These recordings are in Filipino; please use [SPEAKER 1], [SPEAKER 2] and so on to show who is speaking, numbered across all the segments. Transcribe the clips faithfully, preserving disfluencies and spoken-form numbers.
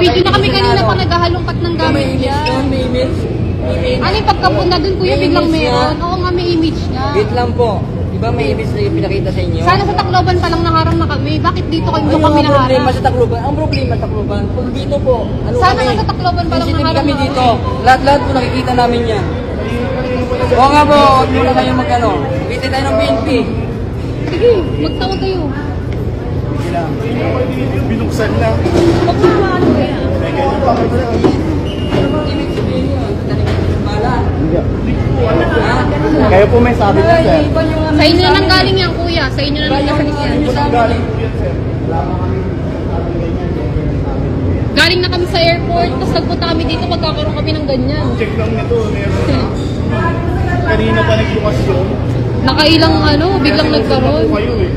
[SPEAKER 1] Nag-video na kami kanina pa naghahalongkat ng gamit
[SPEAKER 2] May image
[SPEAKER 1] niya.
[SPEAKER 2] doon, may image. May image.
[SPEAKER 1] Ano yung pagkapunta doon kuya,
[SPEAKER 2] May
[SPEAKER 1] biglang
[SPEAKER 2] image
[SPEAKER 1] meron?
[SPEAKER 2] niya.
[SPEAKER 1] Oo nga, may image niya.
[SPEAKER 2] Wait lang po. Di ba may image na yung pinakita sa inyo?
[SPEAKER 1] Sana sa Tacloban pa lang naharang na kami. Bakit dito kayo
[SPEAKER 2] Ano
[SPEAKER 1] kami
[SPEAKER 2] ang problema
[SPEAKER 1] naharang?
[SPEAKER 2] sa Tacloban? Ang problema sa Tacloban, kung dito po, ano
[SPEAKER 1] Sana
[SPEAKER 2] kami?
[SPEAKER 1] nga sa Tacloban pa lang
[SPEAKER 2] Sensitive
[SPEAKER 1] naharang
[SPEAKER 2] kami
[SPEAKER 1] na
[SPEAKER 2] dito.
[SPEAKER 1] kami.
[SPEAKER 2] Lahat-lahat po nakikita namin yan. Oo nga po, huwag muna kayo magano. Bitin tayo ng B N P.
[SPEAKER 1] Sige, magtawag kayo.
[SPEAKER 3] Binuksan na.
[SPEAKER 1] Huwag mo naman ano kaya.
[SPEAKER 2] Ibig sabihin yun, tanig ng bala. Ha?
[SPEAKER 3] Kayo po may sabi na, sir.
[SPEAKER 2] Ay, iba yung ano
[SPEAKER 1] Sa inyo na
[SPEAKER 2] sa
[SPEAKER 1] nang
[SPEAKER 2] amin.
[SPEAKER 1] galing yan kuya. Sa inyo na
[SPEAKER 2] Iba
[SPEAKER 1] nang
[SPEAKER 2] yung
[SPEAKER 1] galing yan.
[SPEAKER 2] ano sa amin.
[SPEAKER 1] Galing na kami sa airport, tapos nagpunta kami dito, magkakaroon kami ng ganyan.
[SPEAKER 3] Check lang nito, meron. Kanina pa nagbukas yun.
[SPEAKER 1] Nakailang ano, biglang nagkaroon.
[SPEAKER 3] Kayo eh.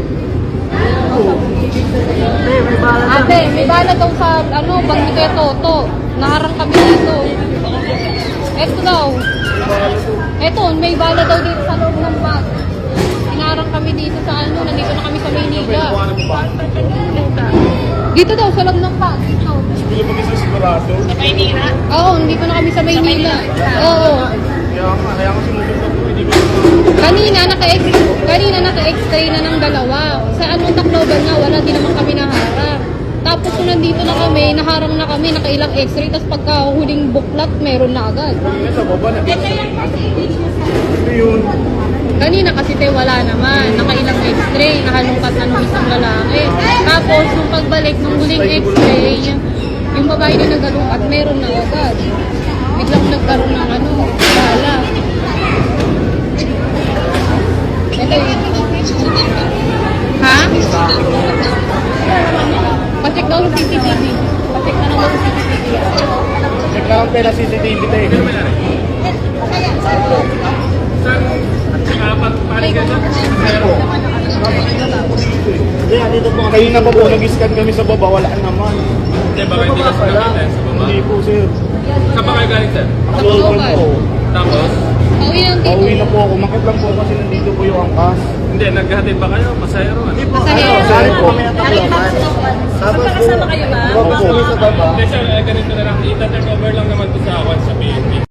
[SPEAKER 1] Ate, may bala daw sa ano, bangko kaya Toto. Naharang kami dito. Eto daw. Eto, may bala daw dito sa loob ng bag. Inaharang kami dito sa ano, nandito na kami sa Maynila. Dito daw, sa loob ng bag. Dito.
[SPEAKER 3] Hindi mo kasi sigurado.
[SPEAKER 1] Oo, nandito na kami sa Maynila. Oo.
[SPEAKER 3] Kaya nga, kaya nga sinusunod ko, hindi ko
[SPEAKER 1] Kanina, naka-ex, kanina naka-x-ray na ng dalawa. Sa anong Tacloban nga, wala din naman kami naharang. Tapos kung nandito na kami, naharang na kami, nakailang x-ray, tapos pagka huling buklat, meron na agad.
[SPEAKER 3] Kanina sa baba na. Ito yun.
[SPEAKER 1] Kanina kasi te, wala naman. Nakailang x-ray, nahalungkat na nung isang lalaki. Tapos, nung pagbalik ng huling x-ray, yung babae na nagalungkat, meron na agad. Biglang nagkaroon ng ano, bala. Ito yun. Ha? Pasik daw sa C C T V. Pasik na naman sa C C T V.
[SPEAKER 3] Check lang ang pera C C T V tayo. Hindi, dito po. Kanina pa po, nag-scan kami sa baba, wala naman.
[SPEAKER 4] Hindi, baka hindi ka nakita sa baba.
[SPEAKER 3] Hindi po, sir.
[SPEAKER 4] Saan ba kayo galing, sir?
[SPEAKER 3] Tacloban po.
[SPEAKER 4] Tapos,
[SPEAKER 1] Pauwi lang dito.
[SPEAKER 3] Pauwi na po ako. Makit lang po kasi nandito po yung angkas.
[SPEAKER 4] hindi, naghahatid ba kayo? Masayro, ano?
[SPEAKER 1] Masahero.
[SPEAKER 3] Sorry po. Tapos po, kasama kayo ba? Opo.
[SPEAKER 4] Hindi, sir, eh, ganito na lang. I-turn over lang naman to sa akin sa B N P.